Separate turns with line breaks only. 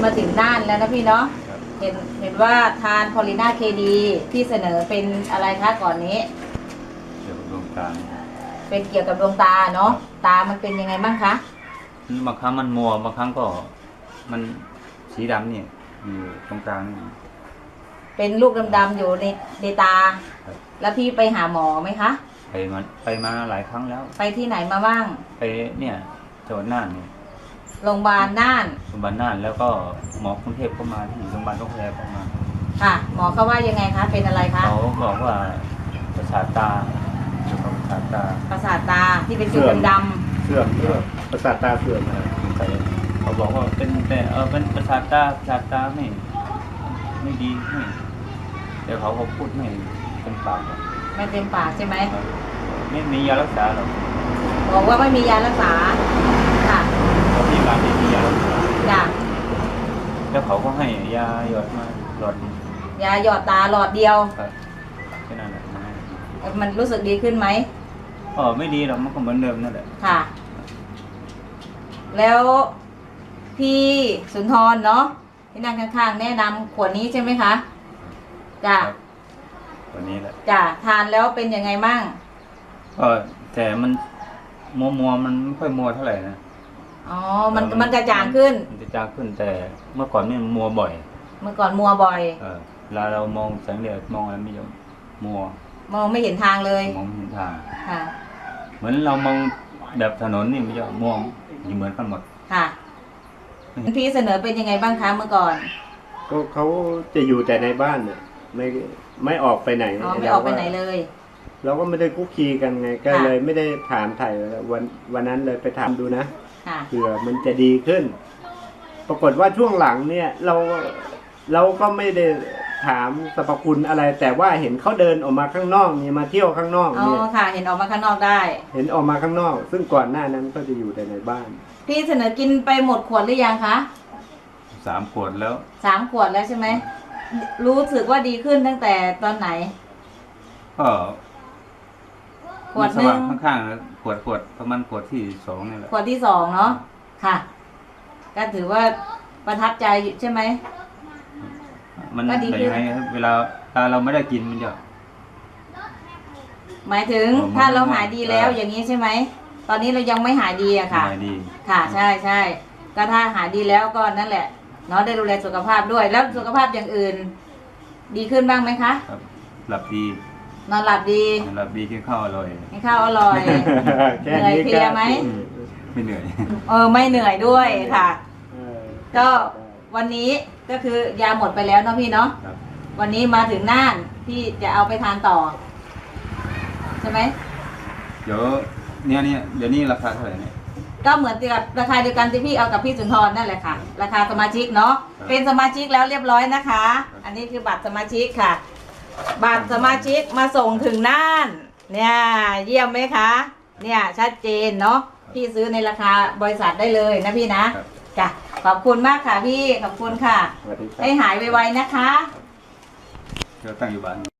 มาถึงน่านแล้วนะพี่เนาะเห็นว่าทานพอลิน่าเคดีที่เสนอเป็นอะไรคะก่อนนี้
เกี่ยวกับดวงตา
เป็นเกี่ยวกับดวงตาเนาะตามันเป็นยังไงบ้างคะ
บางครั้งมันมัวบางครั้งก็มันสีดำเนี่ยอยู่ตรงกลางนี่
เป็นลูกดำๆอยู่ในตาแล้วพี่ไปหาหมอไหมคะ
ไปมาหลายครั้งแล้ว
ไปที่ไหนมาบ้าง
ไปเนี่ยจังหวัดน่านเนี่ย
โรงพยาบาลน่าน
แล้วก็หมอกรุงเทพก็มาที่โรงพยาบาลก็แพร่ก็มา
ค่ะหมอเขาว่ายังไงคะเป็นอะไรคะ
เขาบอกว่าประสาทตาเกี่ยวกับ
ประสาทตาที่เป็นจุดดำ
ๆเสื่อมประสาทตาเสื่อม
เขาบอกว่าเป็นประสาทตาไม่ดีเดี๋ยวเขาพูดไม่เต็มปาก
ไม่เต็มปากใช่ไหม
ไม่มียารักษาหรอก
บอกว่าไม่มียารักษาค่ะ
ที่ร้านไม่มียารักษา
จ้ะ
แล้วเขาก็ให้ยาหยอดมาหลอด
ยาหยอดตาหลอดเดียว
แค่นั้นแหละ
มันรู้สึกดีขึ้นไหม
ไม่ดีหรอกมันก็เหมือนเดิมนั่นแหละ
ค่ะแล้วพี่สุนทรเนาะที่นั่งข้างๆแนะนำขวดนี้ใช่ไหมคะจ้ะ
ขวดนี้แหละ
จ้ะทานแล้วเป็นยังไงมั่ง
แต่มันมัวมันไม่ค่อยมัวเท่าไหร่นะ
อ๋อมันจะจางขึ้น
มันจะจางขึ้นแต่เมื่อก่อนนี่มันมัวบ่อย
เมื่อก่อนมัวบ่อย
เวลาเรามองแสงแดดมองอะไรไม่ยอมมัว
มองไม่เห็นทางเลย
มองไม่เห็นทาง
ค่ะ
เหมือนเรามองแบบถนนนี่มันจะมองอยู่เหมือนกันหมด
ค่ะพี่เสนอเป็นยังไงบ้างคะเมื่อก่อน
ก็เขาจะอยู่แต่ในบ้านเนี่ยไม่ออกไปไหน
ไม่ออกไปไหนเลย
เราก็ไม่ได้คุกคีกันไงก็เลยไม่ได้ถามถ่ายวันนั้นเลยไปถามดูนะเผื่อมันจะดีขึ้นปรากฏว่าช่วงหลังเนี่ยเราก็ไม่ได้ถามสรรพคุณอะไรแต่ว่าเห็นเขาเดินออกมาข้างนอกเนี่ยมาเที่ยวข้างนอกเนี่ย
ค่ะเห็นออกมาข้างนอกได้
เห็นออกมาข้างนอกซึ่งก่อนหน้านั้นก็จะอยู่แต่ในบ้าน
พี่เสนอกินไปหมดขวดหรือยังคะ
3 ขวดแล้ว
3 ขวดแล้วใช่ไหมรู้สึกว่าดีขึ้นตั้งแต่ตอนไหน
ก็
ขวดนึง
ข้างๆขวดประมาณขวดที่2นี่แหละ
ขวดที่2เนาะค่ะก็ถือว่าประทับใจใช่ไหม
มันเป็นยังไงเวลาเราไม่ได้กินมันจะ
หมายถึงถ้าเราหายดีแล้วอย่างนี้ใช่ไหมตอนนี้เรายังไม่หายดีอะค่ะค่ะใช่ก็ถ้าหายดีแล้วก็นั่นแหละเนาะได้ดูแลสุขภาพด้วยแล้วสุขภาพอย่างอื่นดีขึ้นบ้างไหมคะ
หลับดี
นอนหลับดี
กินข้าวอร่อย
เหนื่อยเพลียไหม
ไม่เหนื่อย
ไม่เหนื่อยด้วยค่ะก็วันนี้ก็คือยาหมดไปแล้วเนาะพี่เนาะวันนี้มาถึงน่านพี่จะเอาไปทานต่อใช่ไหม
เดี๋ยวนี้ราคาเท่าไหร่เนี่ย
ก็เหมือนกับราคาเดียวกันที่พี่เอากับพี่สุนทรนั่นแหละค่ะราคาสมาชิกเนาะเป็นสมาชิกแล้วเรียบร้อยนะคะอันนี้คือบัตรสมาชิกค่ะบัตรสมาชิกมาส่งถึงน่านเนี่ยเยี่ยมไหมคะเนี่ยชัดเจนเนาะพี่ซื้อในราคาบริษัทได้เลยนะพี่นะจ้ะขอบคุณมากค่ะพี่ขอบคุณค่ะให้หายไวๆนะคะ
เดี๋ยวตั้งอยู่บ้าน